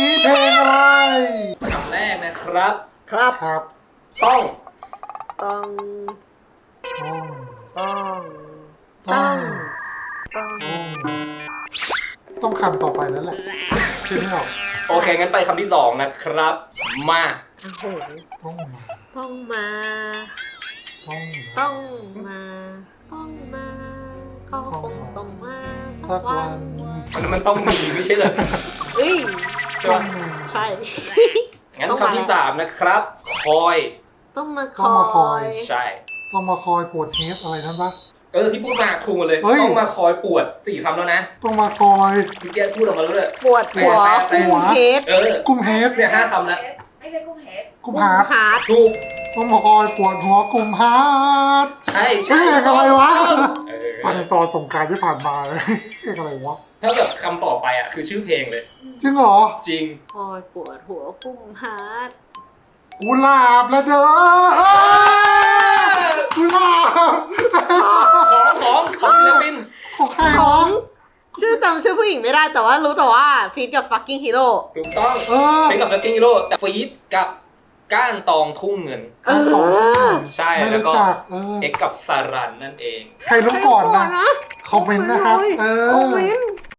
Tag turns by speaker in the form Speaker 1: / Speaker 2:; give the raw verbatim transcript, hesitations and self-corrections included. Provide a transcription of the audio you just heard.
Speaker 1: นี้เพลงอะไร
Speaker 2: คำแรกนะครับ
Speaker 3: ครับ
Speaker 1: ครับ
Speaker 2: ต้อง
Speaker 3: ต้อง
Speaker 1: ต้อง
Speaker 3: ต้อง
Speaker 1: ต้อง
Speaker 3: ต้องต้อง
Speaker 1: ต้องคำต่อไปแล้วแหละคิดไม่ออก
Speaker 2: โอเคงั้นไปคำที่สองนะครับมา
Speaker 3: โอ้โห
Speaker 1: ต้องมา
Speaker 3: ต้องมา
Speaker 1: ต้องมา
Speaker 3: ต้องมาก็คงต้องมา
Speaker 1: สักวัน
Speaker 2: มันมันต้องมีไม่ใช่เหรอ
Speaker 3: เอ้ย
Speaker 2: ใช่
Speaker 1: ต้อ
Speaker 2: ปะ
Speaker 1: งมา
Speaker 3: ใช่
Speaker 2: งั้น
Speaker 3: ต้องมา
Speaker 2: คำที่สามนะครับ คอย
Speaker 3: ต้องมาค
Speaker 1: ต้องมาค
Speaker 3: อ
Speaker 1: อย
Speaker 3: ย
Speaker 2: ใช่
Speaker 1: ต้องมาคอยปวดเฮดอะไรนั่นปะ
Speaker 2: เออที่พูดมาถูกหมดเลย
Speaker 1: เฮ้ย
Speaker 2: ต้องมาคอยปวดสี่คำแล้วนะ
Speaker 1: ต้องมาคอย
Speaker 2: พี่แกพูดออกมาแล้วเลย
Speaker 3: ปวดหัว
Speaker 2: แปล
Speaker 3: กุ้ง
Speaker 2: แปล
Speaker 3: เฮด
Speaker 2: เออ
Speaker 1: กุ้มเฮด
Speaker 2: เนี่ยห้าคำแล้ว
Speaker 4: ไม่ใช่กุ้งเฮด
Speaker 1: กุ้ม
Speaker 3: กุ้ง
Speaker 1: ฮาร์ด
Speaker 3: ฮาร์ด
Speaker 2: ถูก
Speaker 1: ต้องมาคอยปวดหัวกุ้มฮาร์ด
Speaker 2: ใช่
Speaker 1: ใช่
Speaker 2: ใช่
Speaker 1: เพลงอะไรวะ
Speaker 2: เออ
Speaker 1: ฟังตอนสงกรานต์ที่ผ่านมาเลยเพลงอะไรวะ
Speaker 2: ถ้าแบบคำต่อไปอ่ะคือชื่อเพลงเลย
Speaker 1: จริงเหรอ
Speaker 2: จริง
Speaker 3: คอยปวดหัวกุ้งฮาร์ด
Speaker 1: กุหลาบละเด้อกุหลาบ
Speaker 2: ของของของศิลปิน
Speaker 1: ของใคร
Speaker 3: ขอ
Speaker 1: วะ
Speaker 3: งชื่อจำชื่อผู้หญิงไม่ได้แต่ว่ารู้แต่ว่าฟีดกับ fucking hero
Speaker 2: ถูกต้อง
Speaker 1: เออ
Speaker 2: เป็นกับสติงฮีโร่แต่ฟีดกับก้านตองทุ่งเงิน
Speaker 3: เออ
Speaker 2: ใช่
Speaker 1: ไม่
Speaker 2: แล้ว
Speaker 1: รู้
Speaker 2: ก็
Speaker 1: จักเออ
Speaker 2: เอ็กกับสารันนั่นเอง
Speaker 1: ใครรู้ก่อนนะ
Speaker 3: ใครรู้ก่อนนะ
Speaker 1: คอมเมนต์นะครับ เออ
Speaker 3: คอมเมนต์